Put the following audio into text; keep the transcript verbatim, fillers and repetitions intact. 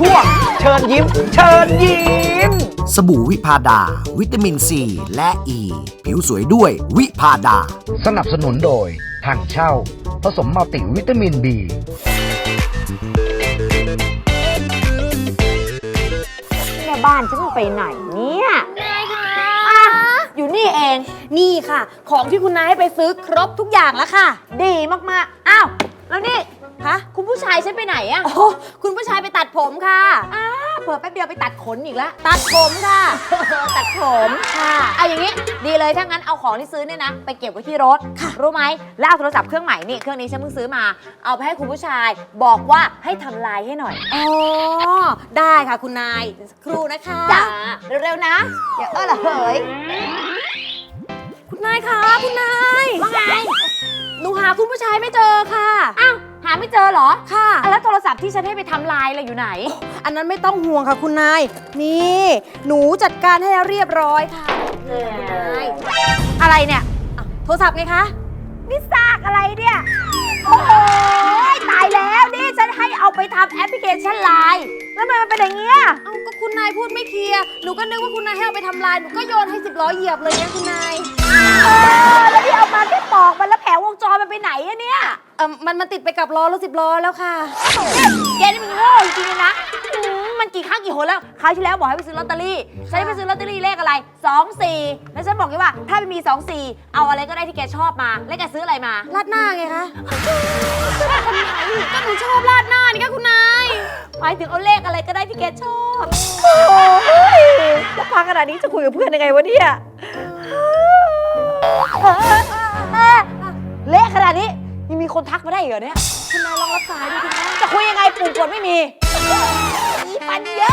ช่วงเชิญยิ้มเชิญยิ้มสบู่วิพาดาวิตามินซีและอ e. ีผิวสวยด้วยวิพาดาสนับสนุนโดยถังเช่าผสมมัลติวิตามิน บีแม่บ้านฉันไปไหนเนี่ยนายคะอยู่นี่เองนี่ค่ะของที่คุณนายให้ไปซื้อครบทุกอย่างแล้วค่ะดีมากๆอ้าวแล้วนี่ฮะคุณผู้ชายฉันไปไหนอะโอ้คุณผู้ชายไปตัดผมค่ะอ้าเผื่อแป๊บเดียวไปตัดขนอีกแล้วตัดผมค่ะ ตัดผมค่ะเอาอย่างนี้ดีเลยถ้างั้นเอาของที่ซื้อเนี่ยนะไปเก็บไว้ที่รถค่ะรู้ไหมแล้วเอาโทรศัพท์เครื่องใหม่นี่เครื่องนี้ฉันเพิ่งซื้อมาเอาไปให้คุณผู้ชายบอกว่าให้ทำลายให้หน่อยอ๋อได้ค่ะคุณนายครูนะคะจ้าเร็วๆนะอย่าเออละเหยคุณนายคะคุณนายว่าไงหนูหาคุณผู้ชายไม่เจอค่ะอ้าวหาไม่เจอเหรอค่ะแล้วโทรศัพท์ที่ฉันให้ไปทำลายอะไรอยู่ไหนอันนั้นไม่ต้องห่วงค่ะคุณนายนี่หนูจัดการให้แล้วเรียบร้อยค่ะนี่คุณนายอะไรเนี่ยโทรศัพท์ไงคะนี่ซากอะไรเนี่ยโอ้โหตายแล้วนี่ฉันให้เอาไปทำแอปพลิเคชันไลน์แล้วทำไมมันเป็นอย่างเงี้ยเอ้าก็คุณนายพูดไม่เคลียร์หนูก็นึกว่าคุณนายให้เอาไปทำลายหนูก็โยนให้สิบล้อเหยียบเลยเนี่ยคุณนายเออแล้วที่เอามาแค่ปอกมันแล้วแผงวงจรมันไปไหนอะเนี่ยเออมันมันติดไปกับล้อรถสิบล้อแล้วค่ะแกนี่มันโง่จริงๆนะมันกี่ครั้งกี่หนแล้วคราวที่แล้วบอกให้ไปซื้อลอตเตอรี่ฉันให้ไปซื้อลอตเตอรี่เลขอะไรสองสี่แล้วฉันบอกแกว่าถ้าไม่มีสองสี่เอาอะไรก็ได้ที่แกชอบมาแล้วแกซื้ออะไรมาราดหน้าไงคะก็หนูชอบราดหน้านี่ค่ะคุณนายหมายถึงเอาเลขอะไรก็ได้ที่แกชอบโอ้ยจะพังขนาดนี้จะคุยกับเพื่อนยังไงวะเนี่ยเลขขนาดนี้ยังมีคนทักมาได้เหรอเนี่ยคุณนายลองรับสายดูสิคะจะคุยยังไงปุ่มกดไม่มีอีปันเยอะ